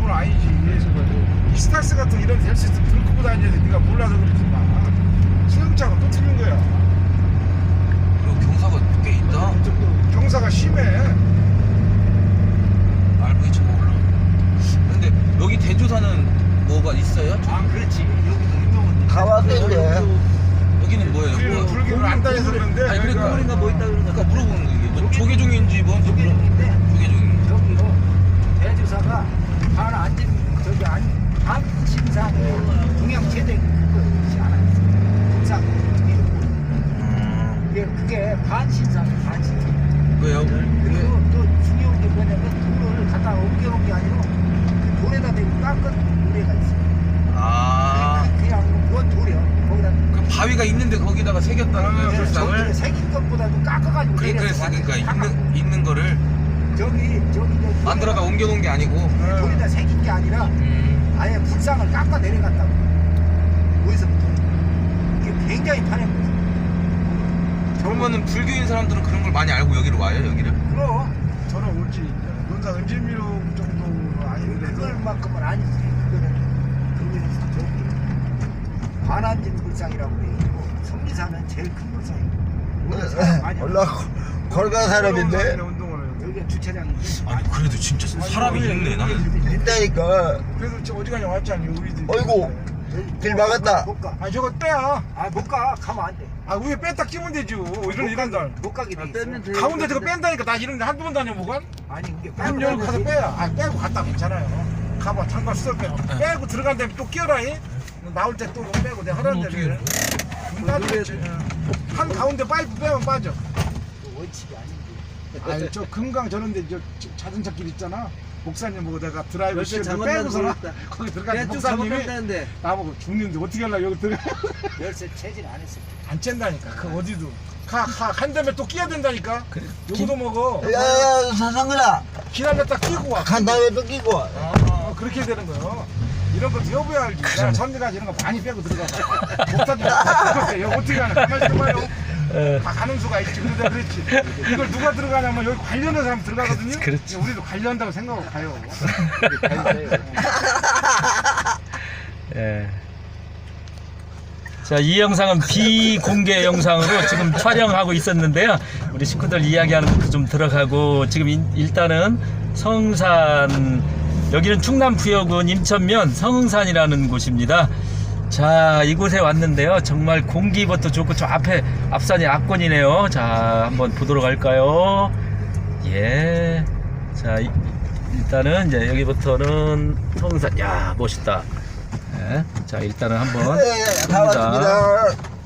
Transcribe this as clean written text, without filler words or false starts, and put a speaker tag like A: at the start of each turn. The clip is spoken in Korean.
A: 정도는 아니지. 이스타스 같은 이런 헬스에서 불 끄고 다니는데 네가 몰라서 그러지 마. 수영장은 또 틀린 거야.
B: 그리고 경사가 꽤 있다.
A: 경사가 심해.
B: RV처럼 올라. 근데 여기 대조사는 뭐가 있어요?
C: 아 그렇지. 여기도 운동은
D: 가봤는데
B: 여기는 뭐예요?
A: 우리는 불교를 안 다녀서 그런데.
B: 아니 그러니까
C: 우리가 뭐 있다 그러는
B: 그러니까 물어보는 거 이게 뭐 조계종인지 뭔지
C: 조계종인데
B: 조계종.
C: 저기요 대주사가 반 안전 저기 반 신상에 동양 제대 그것이 하나 있어. 불상 그게 반 신상이 반 신상.
B: 왜요?
C: 그리고 또 중요한 게 뭐냐면 돌을 갖다 옮겨놓은 게 아니라 그 돌에다 대고 깎은 노래가 있어.
B: 아.
C: 그냥 뭔 돌이야. 거기다
B: 그 바위가 있는데 거기다가 새겼다는 거예요,
C: 저기를
B: 불상을?
C: 새긴 것보다도 깎아가지고
B: 그랬어. 그러니까 있는 거를
C: 저기
B: 만들어다 옮겨놓은 게 아니고.
C: 돌에다 새긴 게 아니라 아예 불상을 깎아 내려갔다고. 어디서부터 이게 굉장히 파낸 거지.
B: 그러면은 불교인 사람들은 그런 걸 많이 알고 여기로 와요, 여기를?
C: 그럼
A: 저는 올지 논산 은질미로 정도는 아닌데
C: 그걸만큼은 아니지. 그거는 저기 반안진 불상이라고 돼 있고 성리사는 제일 큰 불상이고.
D: 올라 걸어간 사람인데
A: 운동을.
C: 여기가 주차장인데.
B: 아니 그래도 진짜 사람이 있네 나는.
D: 있다니까.
A: 그래서 저 어디 가냐 왔잖니 우리들.
D: 어이구 길 막았다.
C: 못 가.
A: 아 저거 빼야.
C: 아 못 가. 가면 안 돼.
A: 아 위에 뺐다 끼면 되지. 이런 날.
C: 못 가게 돼 있어.
A: 가운데 저거 뺀다니까. 나 이런 데 한두 번 다녀보건.
C: 아니 그게
A: 문 열고 가서 빼야. 아 빼고 갔다 괜찮아요. 가봐 잠깐 수술 빼고. 빼고 들어간 다음에 또 끼어라잉. 나올 때 또 빼고 내가 하라는 대로 해. 한 가운데 파이프 빼면 빠져.
C: 그 원칙이 아닌데.
A: 아니 저 금강 저런데 저 자동차 길 있잖아. 목사님 보고 내가 드라이브 시켜서 빼고서 거기 들어가서 목사님이 나보고 죽는데 어떻게 하려고 여기 들어가.
C: 열쇠 체질 안 했어.
A: 안 쨘다니까. 그 어디도. 한 다음에 또 끼야 된다니까. 요거도 먹어.
D: 야야야 사상근아
A: 기다렸다 끼고 와.
D: 간 다음에 또 끼고 와.
A: 그렇게 되는 거요. 이런 거 여보야 알지. 내가 전에까지 이런 거 많이 빼고 들어가. 목사님 이거 어떻게 하냐. 가만히 있어봐요. 다 가는 수가 있지. 근데 내가 그랬지. 이걸 누가 들어가냐면 여기 관련된 사람 들어가거든요.
E: 그렇지.
A: 우리도 관련한다고 생각하고 가요.
E: 예. 자, 이 영상은 비공개 영상으로 지금 촬영하고 있었는데요. 우리 식구들 이야기하는 것도 좀 들어가고 지금 일단은 성산, 여기는 충남 부여군 임천면 성산이라는 곳입니다. 자, 이곳에 왔는데요. 정말 공기부터 좋고 저 앞에 앞산이 압권이네요. 자, 한번 보도록 할까요? 예. 자, 일단은 이제 여기부터는 성산. 야, 멋있다. 예. 자, 일단은 한번
D: 다
E: 봅니다.
D: 왔습니다.